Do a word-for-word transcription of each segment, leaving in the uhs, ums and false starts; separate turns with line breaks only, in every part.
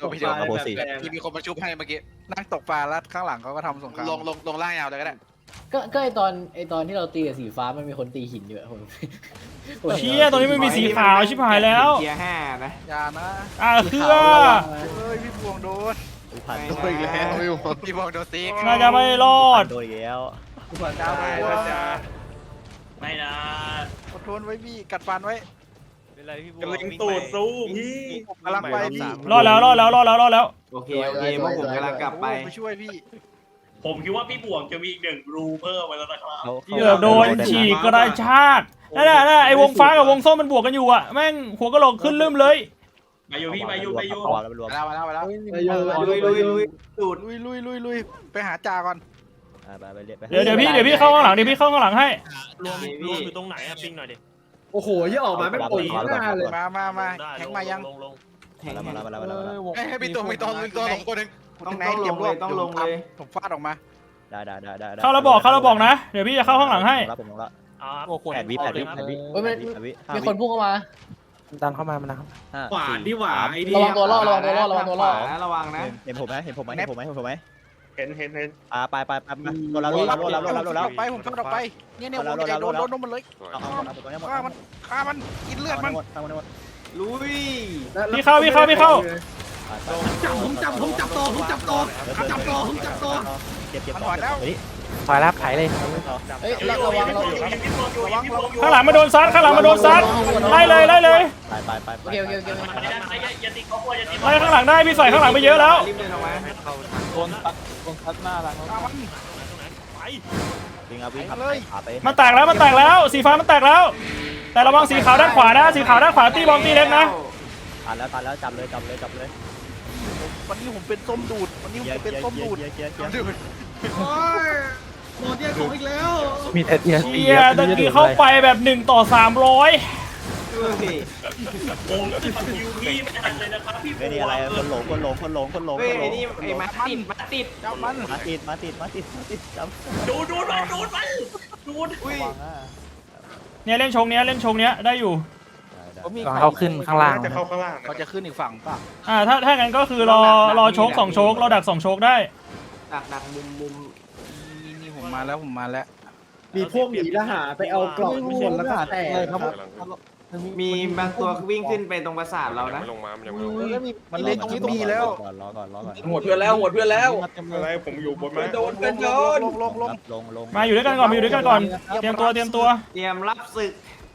ตัวพี่เดียว
โบสี่
ที่มีคนมาชุบให้เมื่อกี้
นั่งตกปลาแล้วข้างหลังเขาก็ทำสงคราม
ลงลงลงล่างยาวเลยก็ได้
ก็ก็ไอตอนไอตอนที่เราตีกับสีฟ้ามันมีคนตีหินอยู่อะผม
เชี่ยตรงนี้มันมีสีขาวชิบหายแล้ว
เกียร์ห้านะ
อย่านะ
อ่าเครือ
เฮ้ยพี่พวงโดน
พัน
โดนอีกแล้วพี่บอกโดนซีก
น่าจะไม่รอด
โดนอีกแล้ว
พี่พวงดาว
ตาย
โด
แล้ว
น
จ้า
ไม่นะ
อดทนไว้พี่กัดฟันไว้
เป็นไรพี่บัว
กำลังตูดสู้พี่
ผมกำลังไปพี่
รอดแล้วรอดแล้วรอดแล้วรอดแล้ว
โอเคโอเคพวกผมกำลังกลับไป
ไปช่วยพี่
ผมคิดว่าพี่บ่วงจะมีอีกหนึ่งรูเพิ่มไปแล้วนะครับ
เกือบโดนฉีกกระชากนั่นแหละนั่นแหละไอ้วงฟ้ากับวงส้มมันบวกกันอยู่อะแม่งหัวกะโหลกขึ้นลืมเลย
ไปอยู่พี่ไปอยู่ไปอยู่
เอาแล้วไปรวม
ไปแล้วไปแล้วไปแล้ว
ลุยลุยลุยดูด
ลุยลุยลุยลุยไปหาจ่าก่อน
ไปไปเรียกไป
เดี๋ยวเดี๋ยวพี่เดี๋ยวพี่เข้าข้างหลังเดี๋ยวพี่เข้าข้างหลังให้
รวมรวมอยู่ตรงไหนอะปิงหน่อยดิ
โอ้โหยี่ออกมาไม่ปล่อยหน้าเลย
มามามา
ได้
แข่งมายัง
ลงลง
มาแล้วมาแล้วมาแล้วมาแล้ว
ให้ให้พี่ตัวมีตัวมีตัวลงตัวหนึ่ง
ต้องต้องลงเลยต้องลงเลย
ผมฟาดออกมา
ได้ได้ได้ได้
เข้าแล้วบอกเข้าแล้วบอกนะเดี๋ยวพี่จะเข้าข้างหลังให้
รับผมลงละ
อ่า
แปดวิแปดวิแปดวิ
เฮ้ยมัน
แปดวิ
มีคนพุ่งเข้ามา
ดันเข้ามามันนะครับ
ห้า
ขวาดีหว่าไอ้นี่
ระวังตัวล่อระวังตัวล่อระวังตัวล่อ
ระวังนะเห็นผมไหมเห็นผมไหมเห็นผมไหมเห็นผมไหม
เห็นเห็นเห็น
อ่าไปไปไปมาโดนแล้วโดนแล้วโดนแล้วโดนแล้วโดนแล้ว
ไปผมฟาดออกไปเนี่ยเนี่ยผมจะโดนโดนโดนมันเลย
เอาเอาเอาตัวนี้หมด
ฆ่ามันฆ่ามันกินเลือดมัน
หมดหมดลุย
พี่เข้าพี่เข้าพี่เข้า
จับผมจับผมจับต่อผมจับต่อจับต่อผมจับต่อ
เก็บเก็บ
มันถอยแล้ว
ถอยรับไขเลย
เฮ้ยระระวังระวัง
ระวังระวัง
ข้างหลังมาโดนซัดข้างหลังมาโดนซัดไล่เลยไล่เลย
ไปไปไป
โอเคโอเคโอเค
มันไม่ได้ไม่ได้อย่าติดเขากลัวอย่าติด
ไล่ข้างหลังได้พี่ใส่ข้างหลังไปเยอะแล้ว
รีบเดินออกมา
โดนตัดโดนทัดหน้าหลัง
ฆ่ามัน
ไป
วิ่งเอาวิ่งขาไป
มันแตกแล้วมันแตกแล้วสีฟ้ามันแตกแล้ว แต่ระวังสีขาวด้านขวานะสีขาวด้านขวาตีบอมตีเล็กนะ
ตัดแล้วตัดแล้วจับเลยจับเลยจับเลย
วันนี้ผมเป็นส้มดูดวันนี้ผมเป็นส้มดูด
เกียร์เกียร์เกียร์
โอ้ยโดนแย่ของอีกแล้ว
มีเอที
เชียตะกี้เข้าไปแบบหนึ่งต่อสามร้อย
วงที่คิวพี่ไม่ทันเลยนะครับพี่
เฮ้ยนี่อะไรคนหลงคนหลงคนหลงคนหลง
เฮ้
ค
ย
นหลง
นี่ไอ้มาติดมาติด
เจ้ามัน
มาติดมาติดมาติดมาติดจับ
ดูดูมันดูมันดูด
อุ้ย
เนี่ยเล่นชงเนี้ยเล่นชงเนี้ยได้อยู่
เขาขึ้นข้างล่าง
จะเข้าข้างล่าง
เขาจะขึ้นอีกฝั่งป่ะ
อ่าถ้าถ้างั้นก็คือรอรอโชกสองโชกเราดักสองโชกได้
ดักดักมุมมุม
นี่นี่ผมมาแล้วผมมาแล้ว
มีพวกหนีทหารไปเอากล่องทุกคนแล้วก็แตกครับ
มีบางตัววิ่งขึ้นไปตรงปราสาทเรานะ
ลงมามันยังไม่ลงมา
มันเล่นตรงนี้แล้ว
รอก่อนรอก่อน
หมดเพื่อนแล้วหมดเพื่อนแล้ว
อะไรผมอยู่บนไม้
โดนเป็นโดน
ลงลงลง
ลงลง
มาอยู่ด้วยกันก่อนมาอยู่ด้วยกันก่อนเตรียมตัวเตรียมตัว
เตรียมรับศึก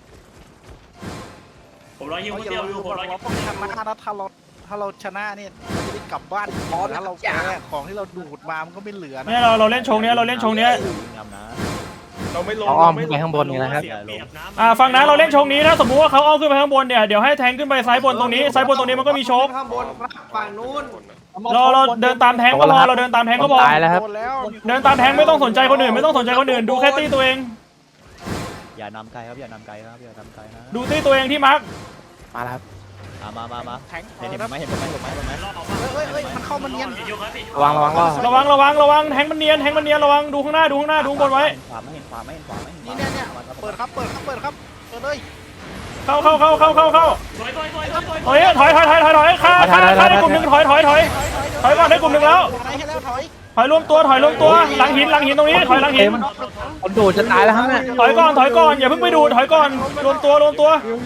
ผมรอยิง
เรา
คน
อย่า
เดียวอ
ลื
ยู่
ม
ผมรอ
เรา
ยิง
ต้องชนะนะถ้าเราถ้าเราชนะเนี่ยเราจะได้กลับบ้านถ้าเราแพ้ของที่เราดูดมามันก็ไม่เหลือ
ไม่เราเราเล่นชงเนี้ยเราเล่นชงเนี้ย
งามนะ
เราไม่ลง
เขาอ้อมขึ้นไปข้างบนนี่นะครับ
เสียเปรียบนะ
อ่าฟังนะเราเล่นชงนี้ถ้าสมมุติว่าเขาอ้อมขึ้นไปข้างบนเนี่ยเดี๋ยวให้แทงขึ้นไปซ้ายบนตรงนี้ซ้ายบนตรงนี้มันก็มีโชก
ข้างบนฝั่งนู้น
เราเราเดินตามแทงก็พอเราเดินตามแทงก็พอ
ตายแล้วครับ
โดนแล้ว
เดินตามแทงไม่ต้องสนใจคนอื่นไม่ต้องสนใจคนอื่นดูแค่ตีตัวเอง
อย่านำไกลครับอย่านำไกลครับอย่านำไกลนะ
ดูตีตัวเองที่มาร์ก
มาแล้วครับ
มามามา
แทง
เห็นเห็นไหมเห็นไหมเห็นไหมเห็นไหม
เฮ้ยเฮ้ยมันเข้ามาเนียน
ระวังระวังล่อ
ระวังระวังระวังแทงมันเนียนแทงมันเนียนระวังดูข้างหน้าดูข้างหน้าดูข้างบนไว้
ขวาไม่เห็นขวาไม่เห็นขวาไม่เห็น
นี่เนี่ยเนี่ยเปิดครับเปิดครับเปิดครับเปิดเลย
เข้าเข้าเข้าเข้าเข้าเข้า
ถอยถอยถอยถอยถอย
ถอยถอยถอยถอยถอยถอยฆ่าฆ่าฆ่าได้กลุ่มหนึ่งถอยถอยถอยถอยก่อนได้กลุ่มหนึ่งแล้ว
ถอยให้แล้วถอย
ถอยรวมตัวถอยรวมตัวหลังหินหลังหินตรงนี้ถอยหลังหิน
คนดูจะตายแล้วครับเนี่ย
ถอยก่อนถอยก่อนอย่าเพิ่งไปดูถอยก่อนรวมตัวรวมตัว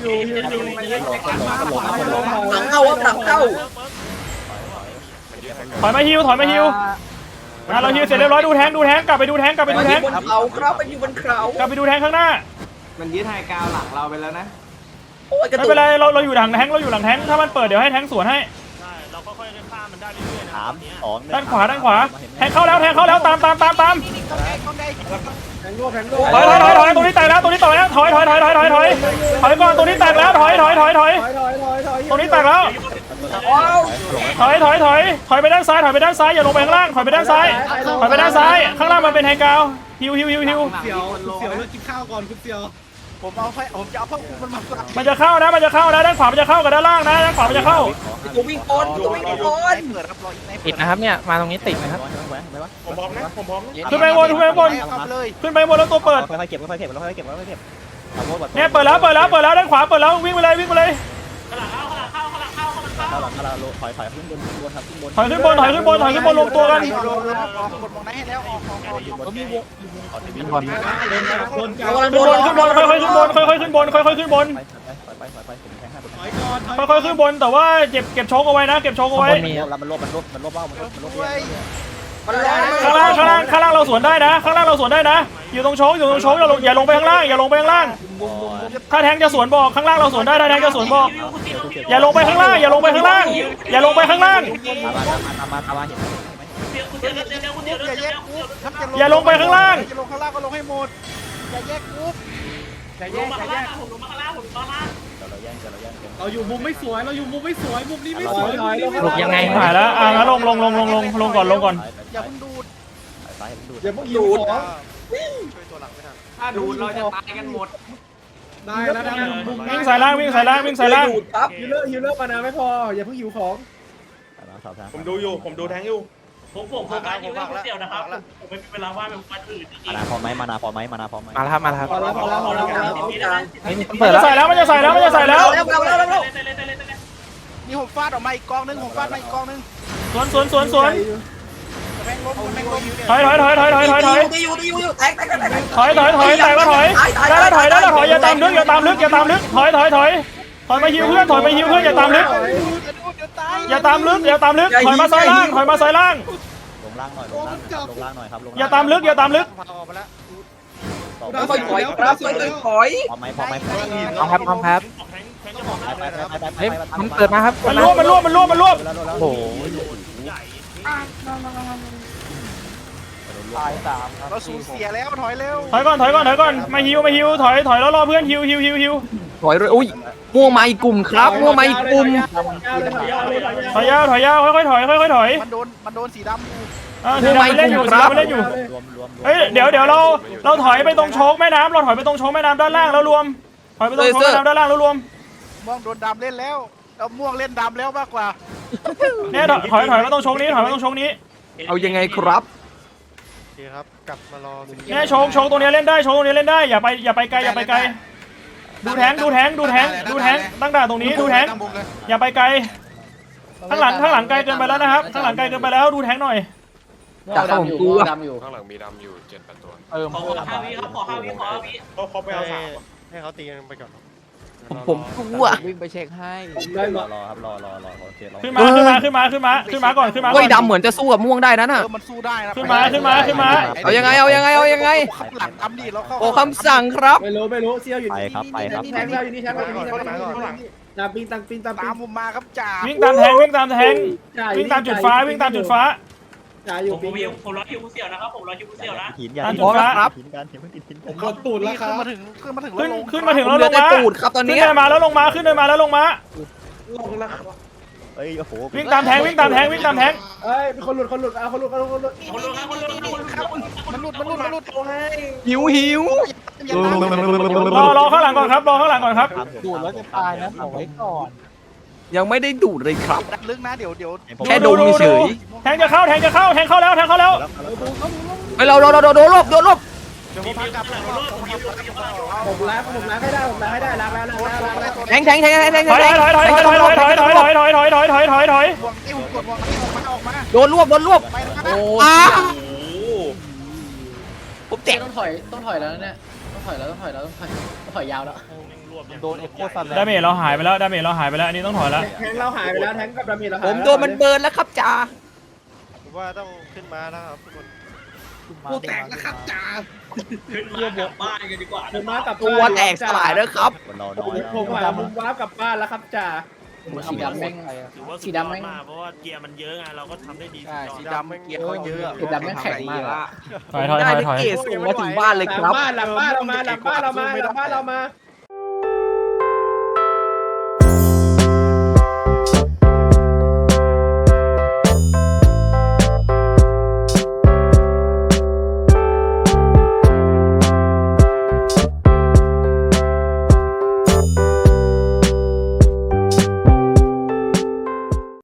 หลังเข้าครับหลังเข้า
ถอยมาฮิวถอยมาฮิวอ่ะเราฮิวเสร็จเรียบร้อยดูแทงดูแทงกลับไปดูแทงกลับไปดูแทง
บนเขาครับไปอยู่บนเขา
กลับไปดูแทงข้างหน้า
มันยึดไฮกาวหลังเราไปแล้วนะ
โอ้ยกระ
ไม่
ตุ
เป็น
ก
ไรเราเราอยู่หลังแทงเราอยู่หลังแทงถ้ามันเปิดเดี๋ยวให้แทงสวนให้
ใช่เราก็ค่อยๆฆ่ามันได้เรื่อยๆนะ
สามสอง
ด้านขวาด้านขวาแทงเข้าแล้วแทงเข้าแล้วตามตามตามตาม
แทงโลแทงโล
ถอยถอยถอยถอยตรงนี้แตกแล้วตรงนี้แตกแล้วถอยถอยถอยถอยถอยถอยถอยก่อนตรงนี้แตกแล้วถอยถอยถอยถอย
ถอยถอยถอยถอย
ตรงนี้แตกแล้ว
ว้าว
ถอยถอยถอยถอยไปด้านซ้ายถอยไปด้านซ้ายอย่าลงไปข้างล่างถอยไปด้านซ้ายถอยไปด้านซ้ายข้างล่างมันเป็นไฮกราวฮิวฮิวฮิวฮิว
เสียวเสียวแล้วกินข้าวก่อนคุณเสียว
ผมเอาให้ผมจะเอาผ้าคลุมมันมาใส่
มันจะเข้านะมันจะเข้านะด้านขวามันจะเข้ากับด้านล่างนะด้านขวามันจะเข้า
ตัววิ่งก่อนตัววิ่งก่อน
เปิดครับรออีกใน
ติดนะครับเนี่ยมาตรงนี้ติดนะครับ
ผมพร้อมนะผมพร้อมนะ
ขึ้นไปบนขึ้นไปบน
ครับเลย
ขึ้นไปบนแล้วตัวเปิด
ค่อยๆเก็บค่อยๆเก็บค่อยๆเก็บค่อยๆเก็บ
เนี่ยเปิดแล้วเปิดแล้วเปิดแล้วด้านขวาเปิดแล้ววิ่งไปเลยวิ่งไปเลย
ข้างหลังเข้าข้างหลังเข้าข้างหลังเข้าข้างหลังเข้า
ถอยขึ้นบนถอยขึ้นบนถอยขึ้นบนถอยขึ้นบนรวมตัวกัน
ออกออกกดมองไหนให้แล้วออกออกออก
ขึ้นบน
ขึ้นบนขึ้นบนค่อยๆขึ้นบนค่อยๆขึ้นบนค่อยๆขึ้นบน
ถอยก่อนถอย
ค่อยๆขึ้นบนแต่ว่าเก็บเก็บโชกเอาไว้นะเก็บโชกเอาไว้
มี
ข้างล่างข้างล่างข้างล่างเราสวนได้นะ ข้างล่างเราสวนได้นะ อยู่ตรงโชกอยู่ตรงโชกอย่าลงอย่าลงไปข้างล่างอย่าลงไปข้างล่าง ถ้าแทงจะสวนบอกข้างล่างเราสวนได้ถ้าแทงจะสวนบอก อย่าลงไปข้างล่างอย่าลงไปข้างล่าง อย่าลงไปข้างล่าง อย่าลงไปข้างล่าง
จะลงข้างล่างก็ลงให้หมดอย่าแยกกรุ๊ปอย่าแย
ล
ก
งมา
อย่า
ข้าง
แย
ล่าง
ก
ผมลงมาข้างล่างผมมาล่าง
เราอยู่มุมไม่สวยเราอยู่มุมไม่สวยมุมนี้ไม่สวย
หลบยังไง
หายแล้วอ่ะงั้นลงลงลงลงลงลงก่อนลงก่อน
อย่าเพิ่งดูด
อย่าเพิ่งหิวของ
ถ้าดูดเราจะตายกันหมด
ได้แล้วนะมุม
วิ่งสายล่างวิ่งสายล่างวิ่งสายล่าง
ฮิลเลอร์ฮิลเลอร์มานาไม่พออย่าเพิ่งหิวของ
ผมดูอยู่ผมดูแทงอยู่
ผมผมโฟกัสอยู่แค่คนเดียวนะครับผมไม่มีเวลาว่างเป็นวันอื่นจริง
มาแล้วครับมาแล้วครับมาแล้วครับ
พอแล้วพอแล้วพอแล้วพอแล้ว
เฮ้ยมัน
มัน
เปิด
จะ
แล้ว
ใส่แล้วมันจะใส่แล้วมันจะใส่แล้ว
นี่ผมฟาดออกมาอีกกองนึงผมฟาดมาอีกกองนึง
สวนสวนสวนสวน
แม่งล้มแม่งล้ม
ถอยถอยถอยถอยถอยถอยถอยถอยถอยถอยแต่ก็ถอยได้แล้วถอยได้แล้วถอยอย่าตามลึกอย่าตามลึกอย่าตามลึกถอยถอยถอยถอยมาฮิวเพื่อนถอยมาฮิวเพื่อนอย่าตามลึก
อย่าดูดเดี๋ยวตาย
อย่าตามลึกอย่าตามลึกถอยมาซ้ายล่างถอยมาซ้ายล่าง
โอ้มันจับ
อย่าตามลึกอย่าตามลึก
เราถอยครับถอย
พร้อมครับพร้อมครับเฮ้ยมันเปิดมาครับ
มันรวบมันรวบมันรวบมันรวบ
โอ้โห
เราสูญเสียแล้วถอยเร็ว
ถอยก่อนถอยก่อนถอยก่อนมาฮิวมาฮิวถอยถอยแล้วรอเพื่อนฮิวฮิวฮิวฮิว
ถอยด้วยอุ้ยม่วงมาอีกกลุ่มครับม่วงมาอีกกลุ่ม
ถอยยาวถอยยาวค่อยๆถอยค่อยๆถอย
มันโดนมันโดนสีดำอยู่
อ่าสีดำมันเล่นอยู่สีดำมันเล่นอยู่เฮ้ยเดี๋ยวเดี๋ยวเราเราถอยไปตรงโชกแม่น้ำเราถอยไปตรงโชกแม่น้ำด้านล่างแล้วรวมถอยไปตรงโชกแม่น้ำด้านล่างแล้วรวม
ม่วงโดนดำเล่นแล้วเอาม่วงเล่นดำแล้วมากกว่า
เนี่ยถอยถอยถอยมาตรงโชกนี้ถอยมาตรงโชกนี้
เอายังไงครับ
โอเคครับกลับมารอ
เนี่ยโชกโชกตรงนี้เล่นได้โชกตรงนี้เล่นได้อย่าไปอย่าไปไกลอย่าไปไกลดูแทงดูแทงดูแทงดูแทงตั้งด่านตรงนี้ดูแทงอย่าไปไกลข้างหลังข้างหลังไกลเกินไปแล้วนะครับข้างหลังไกลเกินไปแล้วดูแทงหน่อย
ม่วงดำอยู่ม่วงดำอยู่
ข้างหลังมีดำอยู่เจ็ดแปดตัว
เออ
ขอห้าวิครับขอห้าวิขอห้าวิ
เขาเขาไปเอาสาม
ให้เขาตีกันไปก่อน
ผมผมกลัว
วิ่งไปเช็คให้
ได้หมด
ขึ้นมาขึ้นมาขึ้นมาขึ้นมาขึ้นมาก่อนขึ้นมาก่
เฮ้
อย น
ดำเหมือนจะสู้กับม่วงได้นะ
เอ
น่ะ
อมันสู้ได้นะ
ขึ้นมาขึ้นมาขึ้นมา
เอายังไงเอายังไงเอายังไง
ขับหลังดำดิเราเข้า
โอ้คำสั่งครับ
ไม่รู้ไม่รู้เซียวอยู่นี่นี่แทงเราอยู่นี่แทงเราอยู่นี่แทงเราอยู่นี่ตามปิงตามปิงตามปิ
ตาง มผมมาครับจ่า
วิ่งตามแทงวิ่งตามแทงวิ่งตามจุดฟ้าวิ่งตามจุดฟ้า
จ่าอ
ผ
ยู่
ม
ปิง
ผมผมรอคิวผู้เสี่ยวนะครับผมรอคิวผู้เสี่ยวนะ
ตามจุดฟ้า
ครับ
ผมกดตูดแล้วครั
ขึ้น
บ
มาถึงขึ้นมาถึง
ขึ้น
ลง
ขึ้นมาถึง
ผม
แล้ว
เหลื
ล
อง แต่
มา
ตูดครับตอน
ขึ้น
นี้
เดินมาแล้วลงมาขึ้นเดินมาแล้วลงมา
ลงแล้ว
วิ่งตามแทงวิ่งตามแทงวิ่งตามแทง
เอ้ยเป็นคนหลุดคนหลุดเอาคนหลุดคนหลุดคนหลุด
คนรู้ครับคนรู้ครับคนรู้ครับ
มันหลุดมันหลุดมันหลุด
หิวหิว
อย่าตาม
รอรอข้างหลังก่อนครับรอข้างหลังก่อนครับ
ดูดแล้วจะตายนะเอาไว้ก่อน
ยังไม่ได้ดูดเลยครับ
ดันลึกนะเดี๋ยวเดี๋ยว
แค่ดมเฉย
แทงจะเข้าแทงจะเข้าแทงเข้าแล้วแทงเข้าแล้ว
เฮ้ยเราเราเราโดนลบโดนลบ
เดี๋ยวผมพากลับ
ผมล้างผมล้างให้ได้ผมล้างให้ได้ล้างแล้วล้างแล้วล้างแล้ว
แทงแทงแทงแทงแทง
ถอยถอยถอยถอยถอยถอยถอยถอยถอยถอยถอยถอยถอยถอยถอย
วงติ้วกดวงติ้วออกมาออกมา
โดนรวบโดนรวบ
ไปแล้วนะ
โอ้
อ้าผมเจ็บ
ต้องถอยต้องถอยแล้วเนี่ยต้องถอยแล้วต้องถอยแล้วต้องถอยต้องถอยยาวแล้ว
โดนเอ็กโคซันดาเมจเราหายไปแล้วดาเมจเราหายไปแล้วอันนี้ต้องถอยแล้ว
แทงเราหายไปแล้วแทงกับดามีเราหาย
ผมโดนมันเบิร์นแล้วครับจ่า
ว่าต้องขึ้นมาแล้วครับทุกคน
กูแตกแล้วครับจ่า
ขึ้นมากลับบ้านกันดีกว่า
ผมมากับ
ตัวแตกสลายแล้วครับ
ผมหามุมว้าร์ปกลับบ้านแล้วครับจ่า
สีดำแม่งสีดำแม่ง
เพราะว่าเกียร์มันเยอะไงเราก็ทำได้ดี
ใช่
สีดำเกียร์เขาเยอะ
สีดำแม่งแข็งมากอะ
ถอยถอยถ
ได้
อย
ได้
ถอย
เกส่งมาถึงบ้านเลย
หลั
ค
ง
รับ
บ้านหลังบ้านเรามาหลังบ้านเรามาหลังบ้านเรามา